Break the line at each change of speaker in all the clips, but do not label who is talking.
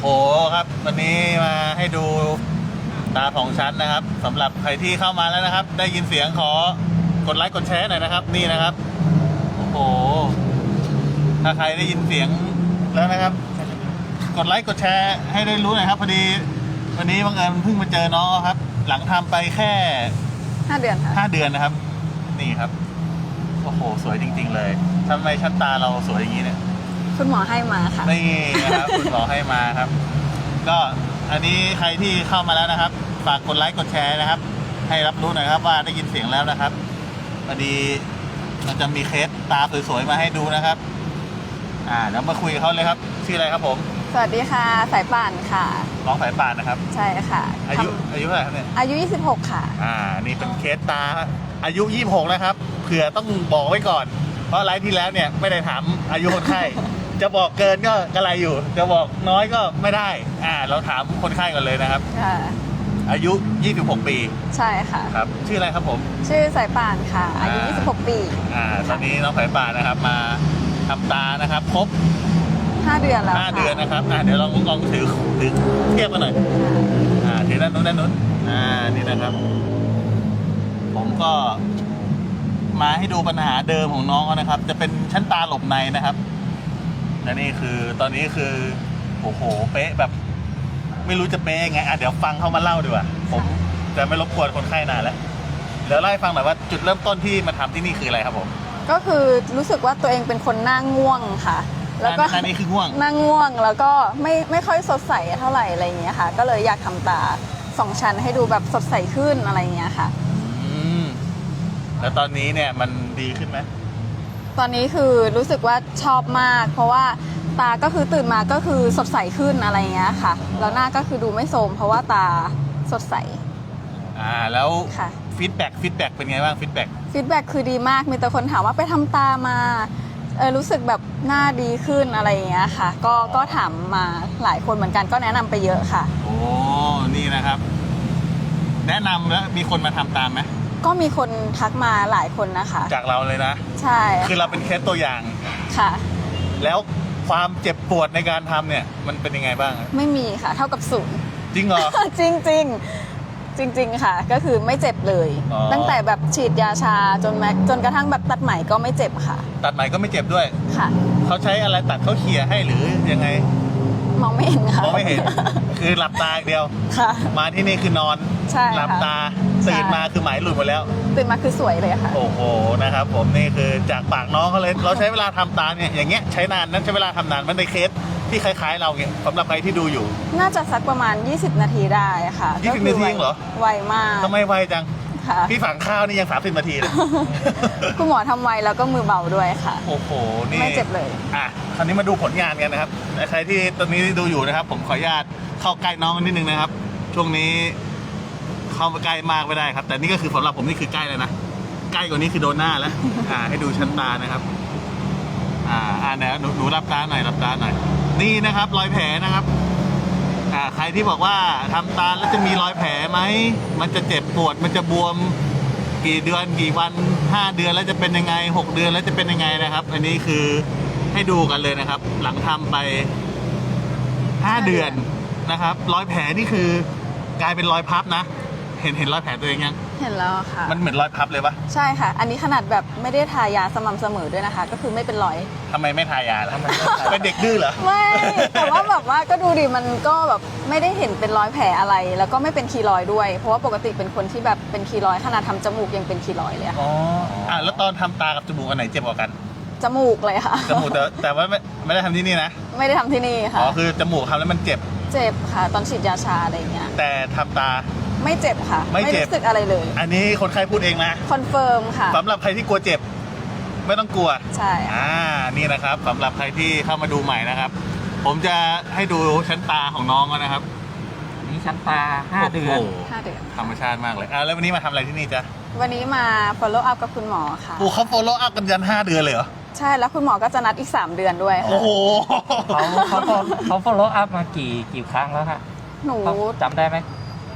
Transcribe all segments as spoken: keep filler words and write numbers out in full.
โหครับวันนี้มาให้ดูตาของชั้นนะครับสำหรับใครที่เข้ามาแล้วนะครับได้ยินเสียงขอกดไลค์กดแชร์หน่อยนะครับนี่นะครับโอ้โหถ้าใครได้ยินเสียงแล้วนะครับกดไลค์กดแชร์ให้ได้รู้หน่อยครับพอดีวันนี้บังเอิญเพิ่งมาเจอน้องครับหลังทำไปแค่
ห้าเดือนค่ะ
ห้าเดือนนะครับนี่ครับโอ้โหสวยจริงๆเลยทำไมชั้นตาเราสวยอย่างนี้เนี่ย
คุณหมอให้มาค่ะ
นี่นะครับ คุณหมอให้มาครับก็อันนี้ใครที่เข้ามาแล้วนะครับฝากกดไลค์กดแชร์นะครับให้รับรู้หน่อยครับว่าได้ยินเสียงแล้วนะครับพอดีมันจะมีเคสตาสวยๆมาให้ดูนะครับอ่าแล้วมาคุยกับเขาเลยครับชื่ออะไรครับผม
สวัสดีค่ะสายป่านค่ะ
น้องสายป่านนะครับ
ใช่ค่ะ
อายุอายุเท่าไหร่ครับเนี่ย
อายุยี่สิบหกค่ะ
อ่านี่เป็นเคสตาอายุยี่สิบหกนะครับเผื่อต้องบอกไว้ก่อนเพราะไลฟ์ที่แล้วเนี่ยไม่ได้ถามอายุคนไข้จะบอกเกินก็กระไรอยู่จะบอกน้อยก็ไม่ได้อ่าเราถามคนไข้ก่อนเลยนะครับ
ค่ะ
อายุยี่สิบหกปี
ใช่ค่ะ
ครับชื่ออะไรครับผม
ชื่อสายป่านค่ะอายุยี่สิบหกปี
อ่าตอนนี้น้องสายป่านนะครับมาทำตานะครับครบ
ห้าเดือนแล้ว
ห้าเดือนนะครับอ่าเดี๋ยวลองลองถือถือเทียบกันหน่อยอ่าถือด้านนู้นด้านนู้นอ่านี่นะครับผมก็มาให้ดูปัญหาเดิมของน้องนะครับจะเป็นชั้นตาหลบในนะครับและนี่คือตอนนี้คือโอ้โหเป๊ะแบบไม่รู้จะเป๊ะยังไงอ่ะเดี๋ยวฟังเขามาเล่าดีกว่าผมจะไม่รบกวนคนไข้นานแล้วเดี๋ยวเล่าให้ฟังหน่อยว่าจุดเริ่มต้นที่มาทำที่นี่คืออะไรครับผม
ก็คือรู้สึกว่าตัวเองเป็นคนหน้าง่วงค่ะแล้วก็
อันนี้คือง่วง
หน้าง่วงแล้วก็ไม่ไม่ค่อยสดใสเท่าไหร่อะไรอย่างเงี้ยค่ะก็เลยอยากทำตาสองชั้นให้ดูแบบสดใสขึ้นอะไรอย่างเงี้ยค่ะ
อืมแล้วตอนนี้เนี่ยมันดีขึ้นไหม
ตอนนี้คือรู้สึกว่าชอบมากเพราะว่าตาก็คือตื่นมาก็คือสดใสขึ้นอะไรเงี้ยค่ะแล้วหน้าก็คือดูไม่โทรมเพราะว่าตาสดใส
อ่าแล้วฟีดแบ็กฟีดแบ็กเป็นไงบ้างฟีดแบ็ก
ฟีดแบ็กคือดีมากมีแต่คนถามว่าไปทำตามาเออรู้สึกแบบหน้าดีขึ้นอะไรเงี้ยค่ะก็ก็ถามมาหลายคนเหมือนกันก็แนะนำไปเยอะค่ะ
โอ้นี่นะครับแนะนำแล้วมีคนมาทำตามไหม
ก็มีคนทักมาหลายคนนะคะ
จากเราเลยนะ
ใช่
คือเราเป็นเคสตัวอย่าง
ค่ะ
แล้วความเจ็บปวดในการทำเนี่ยมันเป็นยังไงบ้าง
ไม่มีค่ะเท่ากับศูนย์
จริงเหรอ
จริงจริงจริงๆค่ะก็คือไม่เจ็บเลยตั้งแต่แบบฉีดยาชาจนแม็กจนกระทั่งแบบตัดไหมก็ไม่เจ็บค่ะ
ตัดไหมก็ไม่เจ็บด้วย
ค่ะ
เขาใช้อะไรตัดเขาเขี่ยให้หรือยังไง
มองไม่เห็นค่ะ
มองไม่เห็นคือหลับตาอย่างเดียว
ค่ะ
มาที่นี่คือนอน
ใช่
หลับตาตื่นมาคือไหมหลุดหมดแล้ว
ตื่นมาคือสวยเลยค่ะ
โอ้โหนะครับผมนี่คือจากปากน้องเขาเลยเราใช้เวลาทำตาเนี่ยอย่างเงี้ยใช้นานนั้นใช้เวลาทำนานมันในเคสที่คล้ายๆเราเนี่ยสำหรับใครที่ดูอยู่
น่าจะสักประมาณยี่สิบนาทีได้ค่ะ
ยี่สิบนาทีเหรอ
ไวมาก
ทำไมไวจังพี่ฝังข้าวนี่ยังสามสิบนาทีเลย
คุณหมอทำไวแล้วก็มือเบาด้วยค่ะ
โอ้โหนี่
ไม่เจ็บเลย
อ่ะคราวนี้มาดูผลงานกันนะครับใครที่ตอนนี้ดูอยู่นะครับผมขออนุญาตเข้าใกล้น้องนิดนึงนะครับช่วงนี้เข้าไปใกล้มากไม่ได้ครับแต่นี่ก็คือสำหรับผมนี่คือใกล้เลยนะใกล้กว่านี้คือโดนหน้าแล้วอ่าให้ดูชั้นตานะครับอ่าอ่าเนี่ยหนูหนูรับตาหน่อยรับตาหน่อยนี่นะครับรอยแผลนะครับอ่าใครที่บอกว่าทำตาแล้วจะมีรอยแผลไหมมันจะเจ็บปวดมันจะบวมกี่เดือนกี่วันห้าเดือนแล้วจะเป็นยังไงหกเดือนแล้วจะเป็นยังไงนะครับอันนี้คือให้ดูกันเลยนะครับหลังทำไปห้าเดือนนะครับรอยแผลนี่คือกลายเป็นรอยพับนะเห็นเห็นรอยแผลตัวเองยัง
เห็นแล้วค่ะ
มันเหมือนรอยพับเลยปะ
ใช่ค่ะอันนี้ขนาดแบบไม่ได้ทายาสม่ำเสมอด้วยนะคะก็คือไม่เป็นรอย
ทำไมไม่ทายาล่ะเป็นเด็กดื้อเหรอ
ไม่แต่ว่าแบบว่าก็ดูดิมันก็แบบไม่ได้เห็นเป็นรอยแผลอะไรแล้วก็ไม่เป็นคีรอยด้วยเพราะว่าปกติเป็นคนที่แบบเป็นคีรอยขนาดทำจมูกยังเป็นคีรอยเลยค่ะ
อ๋ออ่ะแล้วตอนทำตากับจมูกอันไหนเจ็บกว่ากัน
จมูกเลยค่ะ
จมูกแต่แต่ว่าไม่ไม่ได้ทำที่นี่นะ
ไม่ได้ทำที่นี่ค่ะ
อ๋อคือจมูกทำแล้วมันเจ็บ
เจ็บค่ะตอนฉีดยาชาอะไรเงี้ย
แต่ทำตา
ไม่เจ็บค่ะไม่รู้สึกอะไรเลย
อันนี้คนไข้พูดเองนะ
คอนเฟิร์มค่ะ
สำหรับใครที่กลัวเจ็บไม่ต้องกลัว
ใช่
อ่านี่นะครับสำหรับใครที่เข้ามาดูใหม่นะครับผมจะให้ดูชั้นตาของน้องนะครับ
นี่ชั้นตาห้าเดือน
ห้าเดือน
ธรรมชาติมากเลยอ่าแล้ววันนี้มาทำอะไรที่นี่จ๊ะ
วันนี้มา follow up กับคุณหมอค่ะ
โอ้เขา follow up กันยันห้าเดือนเลยเหรอ
ใช่แล้วคุณหมอก็จะนัดอีกสามเดือนด้วยค่ะ
โอ้โห
เขาเขาเขา follow up มากี่กี่ครั้งแล้วคะ
หนู
จำได้ไหม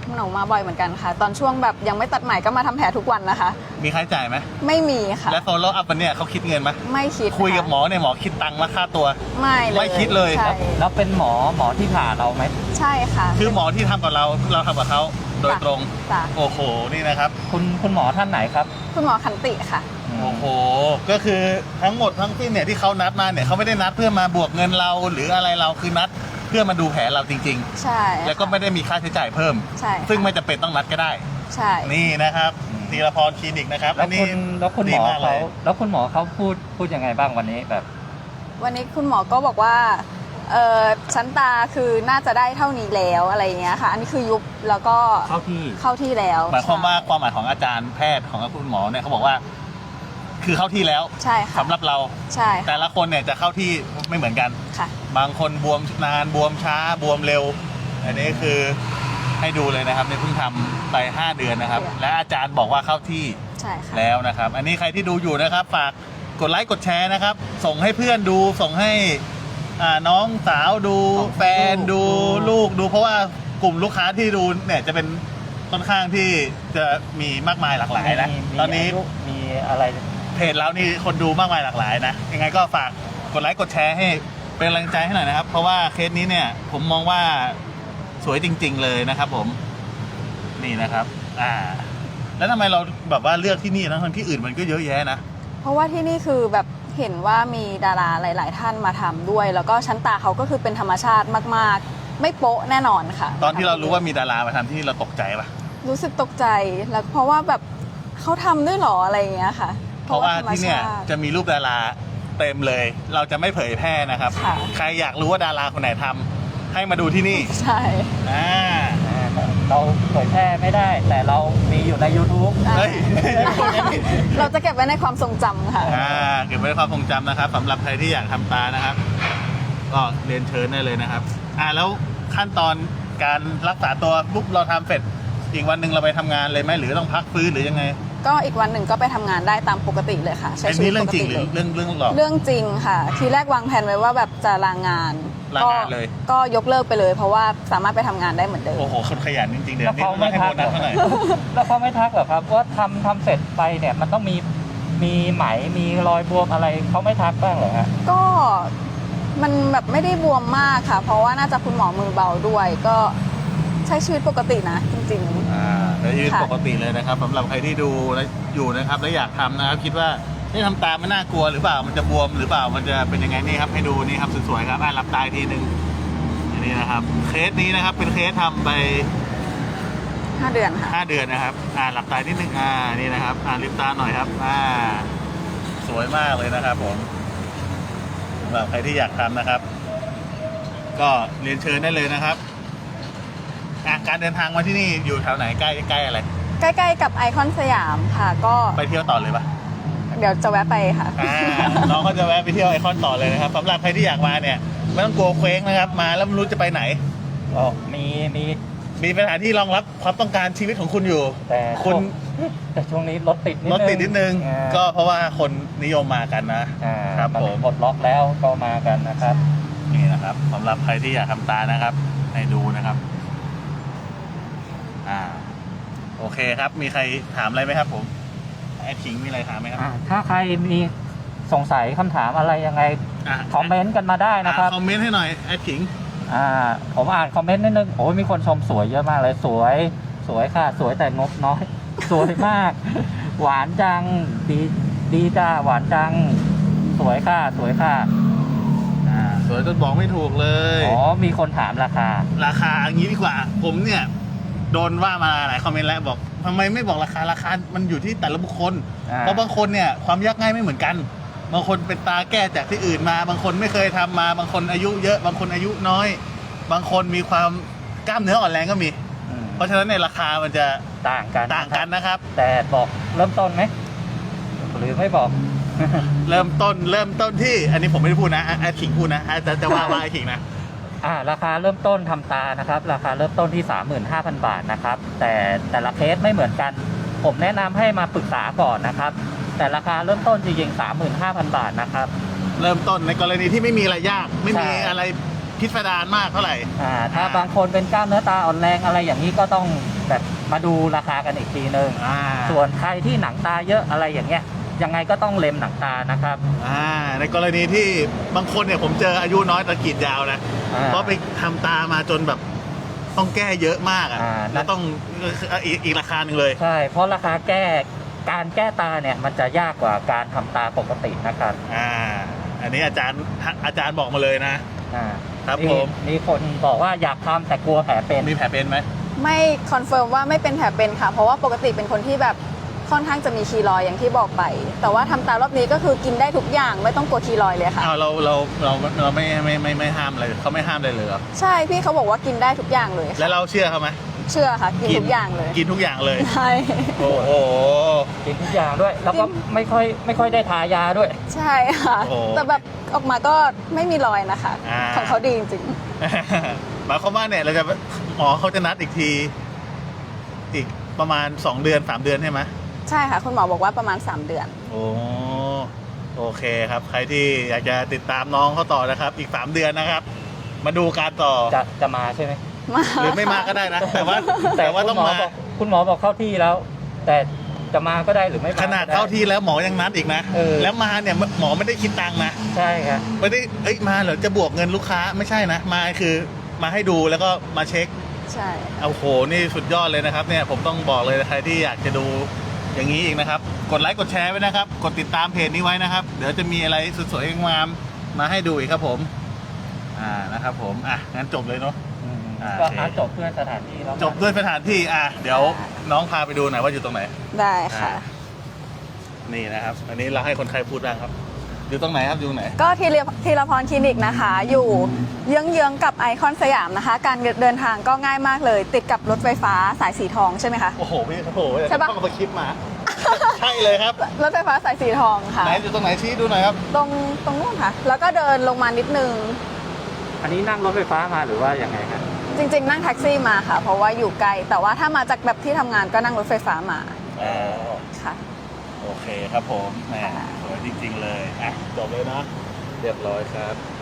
หนูมาบ่อยเหมือนกันค่ะ ตอนช่วงแบบยังไม่ตัดใหม่ก็มาทำแผลทุกวันนะคะ
มีค่าใช้จ่ายไหม
ไม่มีค่ะ
และ follow up วันเนี้ยเขาคิดเงินไหม
ไม่คิด
คุยกับ
ะ
หมอเนี่ยหมอคิดตังค์มาค่าตัว
ไม่เลย
ไม่คิดเลย
ใช่
แล้วเป็นหมอหมอที่ผ่าเราไหม
ใช่ค่ะ
คือหมอที่ทำกับเราเราทำกับเขาโดยตรง
จ้ะ
โอ้โหนี่นะครับ
คุณคุณหมอท่านไหนครับ
คุณหมอขันติค่ะ
โอ้โหก็คือทั้งหมดทั้งสิ้นเนี่ยที่เขานัดมาเนี่ยเขาไม่ได้นัดเพื่อมาบวกเงินเราหรืออะไรเราคือนัดเพื่อมาดูแผลเราจริง
ใช่
ๆ แล้วก็ไม่ได้มีค่าใช้จ่ายเพิ่ม
ใช่ค่ะ
ซึ่งไม่จำเป็นต้องนัดก็ได้
ใช่
นี่นะครับธีรพรคลินิกนะครับ
แล้
อั
วน
นี้
คุณแล้วคุณหมอ
ดีกล
เขา
ย
แล้วคุณหมอเขาพูดพูดยังไงบ้างวันนี้แบบ
วันนี้คุณหมอก็บอกว่าเออชั้นตาคือน่าจะได้เท่านี้แล้วอะไรอย่างเงี้ยค่ะ อันนี้คือยุบแล้วก็
เข้าที่
เข้าที่แล้ว
หมายความว่า
ใช่
ความหมายของอาจารย์แพทย์ของคุณหมอเนี่ยเขาบอกว่า คือเข้าที่แล้ว
ใช่ค่ะ
สำหรับเรา
ใช่ค่ะ
แต่ละคนเนี่ยจะเข้าที่ไม่เหมือนกัน
ค่ะ
บางคนบวมนานบวมช้าบวมเร็ว อันนี้คือให้ดูเลยนะครับเนี่ยเพิ่งทำไปห้าเดือนนะครับ และอาจารย์บอกว่าเข้าที่
ใช่ค่ะ
แล้วนะครับ อันนี้ใครที่ดูอยู่นะครับ ฝากกดไลค์กดแชร์นะครับ ส่งให้เพื่อนดูส่งให้อ่าน้องสาวดู
ส่งให้
แฟนดู
ลูก
ลูกดู เพราะว่ากลุ่มลูกค้าที่ดูเนี่ยจะเป็นค่อนข้างที่จะมีมากมายหลากหลายนะ
มีมี
ตอนนี้
ายุมีอะไร
เพจเรานี่คนดูมากมายหลากหลายนะยังไงก็ฝากกดไลค์กดแชร์ให้เป็นกำลังใจให้หน่อยนะครับ เพราะว่าเคสนี้เนี่ยผมมองว่าสวยจริง ๆ เลยนะครับ ผมนี่นะครับ อ่า แล้วทำไมเราแบบว่าเลือกที่นี่นะทั้งที่อื่นมันก็เยอะแยะนะ
เพราะว่าที่นี่คือแบบเห็นว่ามีดาราหลาย ๆ ท่านมาทำด้วย แล้วก็ชั้นตาเขาก็คือเป็นธรรมชาติมาก ๆ ไม่โป๊ะแน่นอนค่ะ
ตอนที่เรารู้ว่ามีดารามาทำที่นี่เราตกใจปะ
รู้สึกตกใจแล้วเพราะว่าแบบเขาทำด้วยเหรออะไรอย่างเงี้ยค่ะ
เพราะว่า
ธรรม
ที่เนี่ย
ชาติ
จะมีรูปดาราเต็มเลย เราจะไม่เผยแพร่นะครับ
ค่ะ
ใครอยากรู้ว่าดาราคนไหนทำให้มาดูที่นี่
ใช่
อ่า
เราเผยแพร่ไม่ได้ แต่เรามีอยู่ใน YouTube
เฮ้ย
เราจะเก็บไว้ในความทรงจำค่ะ
อ่าเก็บไว้ในความทรงจำนะครับสำหรับใครที่อยากทำตานะครับ ก็เรียนเชิญได้เลยนะครับ อ่าแล้วขั้นตอนการรักษาตัวปุ๊บเราทำเสร็จอีกวันหนึ่งเราไปทำงานเลยไหมหรือต้องพักฟื้นหรือยังไง
ก็อีกวันหนึ่งก็ไปทำงานได้ตามปกติเลยค่ะใช้
เป็น
ชีวิ
นี่
ต
เรื่
ป
อง
ก
จริง
ติ
หรื
เล
อย เรื่องเรื่องหลอก
เรื่องจริงค่ะ ทีแรกวางแผนไว้ว่าแบบจะลางาน
ลางานเลย
ก็ยกเลิกไปเลย เพราะว่าสามารถไปทำงานได้เหมือนเดิม
โอ้โหคนขยันจริงๆเดี๋ย
แล้ว ว
นี้
เขา
ต้อง
ไม่
ให้
ทั
โบ
ก
นัสเท่าไหร่
แล้วเขาไม่ทักเหรอครับว่าทำทำเสร็จไปเนี่ยมันต้องมีมีไหมมีรอยบวมอะไรเขาไม่ทักบ้างเหรอฮะ
ก็มันแบบไม่ได้บวมมากค่ะ เพราะว่าน่าจะคุณหมอมือเบาด้วย ก็ใช้ชีวิตปกตินะจริง
อ่าแต่ยืน
ค่ะ
ปกติเลยนะครับสำหรับใครที่ดูและอยู่นะครับและอยากทำนะครับคิดว่านี่ทำตามันน่ากลัวหรือเปล่ามันจะบวมหรือเปล่ามันจะเป็นยังไงนี่ครับให้ดูนี่ครับสวยๆครับอ่ารับตาอีกทีหนึ่งอันนี้นะครับ เคสนี้นะครับเป็นเคสทำไป
ๆ ห้าเดือนค่ะ
ห้าเดือนนะครับ อ่าหลับตานิดนึง อ่า นี่นะครับ อ่าลืมตาหน่อยครับ อ่า สวยมากเลยนะครับผมสำหรับใครที่อยากทำนะครับ ก็เรียนเชิญได้เลยนะครับอ่ะการเดินทางมาที่นี่อยู่แถวไหนใกล้ใกล้อะไร
ใกล้ๆกับไอคอนสยามค่ะ ก็
ไปเที่ยวต่อเลยปะ
เดี๋ยวจะแวะไปค่ะ
อ่า น้องก็จะแวะไปเที่ยวไอคอนต่อเลยนะครับสำหรับใครที่อยากมาเนี่ยไม่ต้องกลัวเคว้งนะครับ มาแล้วไม่รู้จะไปไหน
ก็มีมี
มีสถานที่รองรับความต้องการชีวิตของคุณอยู่
แต่
คุณ
ช่วงแต่ช่วงนี้รถติดนิด
ร
นึ
ถ
ง
ติดนิดนึง
อ่า
ก็เพราะว่าคนนิยมมากันนะ
อ่า
ครับ
มัน
ผม
ปลดล็อกแล้วก็มากันนะครับ
นี่นะครับสำหรับใครที่อยากทำตานะครับ ให้ดูนะครับ อ่า โอเคครับ มีใครถามอะไรไหมครับผมไอ้ขิงมีอะไรถามไหมครับ
อ่าถ้าใครมีสงสัยคำถามอะไรยังไง
อ่ะ
คอมเมนต์กันมาได้นะครับ
อ่คอมเมนต์ให้หน่อยไอ้ขิง
อ่าผมอ่านคอมเมนต์นิดนึงโอ้ยมีคนชมสวยเยอะมากเลยสวย สวยค่ะ สวยแต่งบน้อย สวยมาก หวานจังดีดีจ้าหวานจัง สวยค่ะ สวยค่ะ
อ่า สวยจนบอกไม่ถูกเลย
อ๋อมีคนถามราคา
ราคาอย่างนี้ดีกว่า ผมเนี่ย โดนว่ามาหลายคอมเมนต์แล้วบอกทำไมไม่บอกราคาราคา มันอยู่ที่แต่ละบุคคล
อ่า
เพราะบางคนเนี่ยความยากง่ายไม่เหมือนกัน บางคนเป็นตาแก้จากที่อื่นมา บางคนไม่เคยทำมา บางคนอายุเยอะ บางคนอายุน้อย บางคนมีความกล้ามเนื้ออ่อนแรงก็มี
อืม
เพราะฉะนั้นในยราคามันจะ
ต่างกัน
ต่างกันนะครับ
แต่บอกเริ่มต้นไหมหรือไม่บอก
เริ่มต้นเริ่มต้นที่ อันนี้ผมไม่ได้พูดนะไอ้ขิงพูดนะจะจะว่าว่าไอ้ขิงนะ
อ่าราคาเริ่มต้นทำตานะครับ ราคาเริ่มต้นที่ สามหมื่นห้าพัน บาทนะครับ แต่แต่ละเคสไม่เหมือนกัน ผมแนะนำให้มาปรึกษาก่อนนะครับ แต่ราคาเริ่มต้นจริงๆ สามหมื่นห้าพัน บาทนะครับ
เริ่มต้นในกรณีที่ไม่มีอะไรยาก ไม่มี
ใช่
อะไรพิสดารมากเท่าไหร่
อ่าถ้าบางคนเป็นกล้ามเนื้อตาอ่อนแรงอะไรอย่างนี้ก็ต้องแบบมาดูราคากันอีกทีนึง
อ่า
ส่วนใครที่หนังตาเยอะอะไรอย่างเงี้ยยังไงก็ต้องเล็มหนังตานะครับ
อ่าในกรณีที่บางคนเนี่ยผมเจออายุน้อยแต่กรีดยาวนะ
อ่า
เพราะไปทำตามาจนแบบต้องแก้เยอะมากอ่ะ
อ่า
แล้วต้องอีกอีกราคาหนึ่งเลย
ใช่เพราะราคาแก้การแก้ตาเนี่ยมันจะยากกว่าการทำตาปกตินะครับ
อ่า อันนี้อาจารย์อาจารย์บอกมาเลยนะ
อ่า
ครับ
มี
ผม
มีคนบอกว่าอยากทำแต่กลัวแผลเป็น
มีแผลเป็นไหม
ไม่คอนเฟิร์มว่าไม่เป็นแผลเป็นค่ะ เพราะว่าปกติเป็นคนที่แบบค่อนข้างจะมีคีรอยด์อย่างที่บอกไป แต่ว่าทำตารอบนี้ก็คือกินได้ทุกอย่างไม่ต้องกลัวคีรอยด์เลยค่ะ
อ้าวเราเราเราเราไม่ไม่ไม่ไม่ห้ามอะไรเขาไม่ห้ามเลยเหรอ
ใช่พี่เขาบอกว่ากินได้ทุกอย่างเลย
แล้
ค่ะ
วเราเชื่อเขาไหม
เชื่อค่ะ กินทุกอย่างเลย
กินทุกอย่างเลย
ใช่
โอ้โห
กินทุกอย่างด้วย แล้วก็ไม่ค่อยไม่ค่อยได้ทายาด้วย
ใช่ค่ะ
โอ้
แต่แบบออกมาก็ไม่มีรอยนะคะ
อ่า
ของเขาดีจริง
หมายความว่าเนี่ยเราจะหมอเขาจะนัดอีกที อีกประมาณสองเดือนสามเดือนใช่ไหม
ๆ ใช่ค่ะ คุณหมอบอกว่าประมาณ สาม เดือน
โอ้โอเคครับ ใครที่อยากจะติดตามน้องเขาต่อนะครับ อีกสามเดือนนะครับ มาดูการต่อ
จะจะมาใช่ไหม
มา
หรือไม่มาก็ได้นะ แต่ว่าแต่ว่าต้อง
คุณห
มา
บอกคุณหมอบอกเข้าที่แล้ว แต่จะมาก็ได้หรือไม่มา
ขนาด
ก็ไ
เข้าที่แล้วหมอยังนัดอีกนะ
เออ
แล้วมาเนี่ยหมอไม่ได้คิดตังค์นะ
ใช่ครับ
ไม่ได้เอ้ยมาเหรอจะบวกเงินลูกค้าไม่ใช่นะ มาคือมาให้ดูแล้วก็มาเช็ค
ใช่
เอาโหนี่สุดยอดเลยนะครับเนี่ยผมต้องบอกเลยใครที่อยากจะดูอย่างนี้อีกนะครับ กดไลค์กดแชร์ไว้นะครับ กดติดตามเพจนี้ไว้นะครับ เดี๋ยวจะมีอะไรสวยๆงามๆมาให้ดูอีกครับผม อ่านะครับผมอ่ะงั้นจบเลยเนาะ
อืม
อ่า
ก็
โอเค
อาจบเพื่อสถานที่แล้วกัน
จบด้วยสถานที่อ่ะเดี๋ยวน้องพาไปดูหน่อยว่าอยู่ตรงไหน
ได้ค่ะ
อ่า นี่นะครับ อันนี้เราให้คนไข้พูดบ้างครับ อยู่ตรงไหนครับอยู่ตรงไหน
ก็ทีละทีละพรคลินิกนะคะ อยู่เยื้องๆกับไอคอนสยามนะคะ การเดินทางก็ง่ายมากเลย ติดกับรถไฟฟ้าสายสีทองใช่ไหมคะ
โอ้โหพี่โอ้โห
ใช่ปะ
ต้องเอาไปคลิปมา ใช่เลยครับ
รถไฟฟ้าสายสีทองค่ะ
ไหนอยู่ตรงไหนชี้ดูหน่อยครับ
ตรงตรงนู้นค่ะ แล้วก็เดินลงมานิดนึง
อันนี้นั่งรถไฟฟ้ามาหรือว่ายังไงครับ
จริงๆ นั่งแท็กซี่มาค่ะ เพราะว่าอยู่ไกล แต่ว่าถ้ามาจากแบบที่ทำงานก็นั่งรถไฟฟ้ามา
อ๋อ
ค่ะ
โอเคครับผมแหม
ค่ะ
สวยจริงๆเลย อ่ะ จบเลยนะ เรียบร้อยครับ